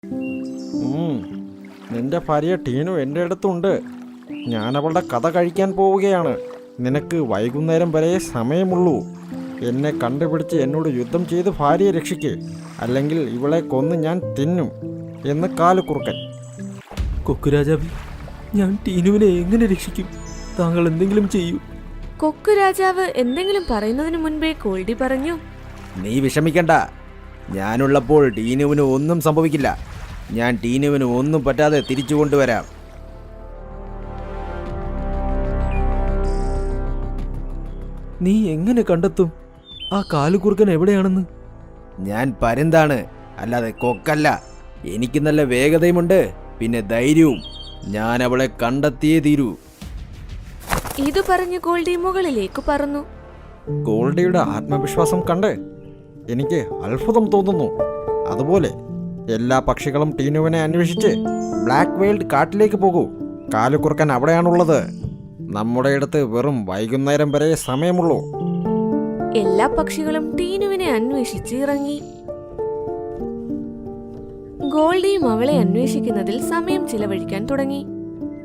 നിന്റെ ഭാര്യ ടീനു എൻ്റെ അടുത്തുണ്ട്. ഞാൻ അവളുടെ കഥ കഴിക്കാൻ പോവുകയാണ്. നിനക്ക് വൈകുന്നേരം വരെ സമയമുള്ളൂ. എന്നെ കണ്ടുപിടിച്ച് എന്നോട് യുദ്ധം ചെയ്ത് ഭാര്യയെ രക്ഷിക്ക്, അല്ലെങ്കിൽ ഇവളെ കൊന്ന് ഞാൻ തിന്നും എന്ന് കാലുകുറുക്കൻ. കൊക്കുരാജാവേ, ഞാൻ ടീനുവിനെ എങ്ങനെ രക്ഷിക്കും? താങ്കൾ എന്തെങ്കിലും ചെയ്യൂ. കൊക്കുരാജാവ് എന്തെങ്കിലും പറയുന്നതിന് മുൻപേ ഗോൾഡി പറഞ്ഞു, നീ വിഷമിക്കണ്ട. ഞാനുള്ളപ്പോൾ ടീനുവിന് ഒന്നും സംഭവിക്കില്ല. ഞാൻ ടീനുവിന് ഒന്നും പറ്റാതെ തിരിച്ചു കൊണ്ടുവരാം. നീ എങ്ങനെ കണ്ടെത്തും ആ കാലുകുറുക്കൻ എവിടെയാണെന്ന്? ഞാൻ പരുന്താണ്, അല്ലാതെ കൊക്കല്ല. എനിക്ക് നല്ല വേഗതയുമുണ്ട്, പിന്നെ ധൈര്യവും. ഞാൻ അവളെ കണ്ടെത്തിയേ തീരൂ. ഇത് പറഞ്ഞ് ഗോൾഡി മുകളിലേക്ക് പറന്നു. ഗോൾഡിയുടെ ആത്മവിശ്വാസം കണ്ട് എനിക്ക് അത്ഭുതം തോന്നുന്നു. അതുപോലെ എല്ലാ പക്ഷികളും ടീനുവിനെ അന്വേഷിച്ച് ബ്ലാക്ക് വേൾഡ് കാട്ടിലേക്ക് പോകൂ. കാലുകുറുക്കൻ അവിടെയാണുള്ളത്. നമ്മുടെ അടുത്ത് വെറും വൈകുന്നേരം വരെ സമയമുള്ളൂ. എല്ലാ പക്ഷികളും ടീനുവിനെ അന്വേഷിച്ച് ഇറങ്ങി. ഗോൾഡിയും അവളെ അന്വേഷിക്കുന്നതിൽ സമയം ചിലവഴിക്കാൻ തുടങ്ങി.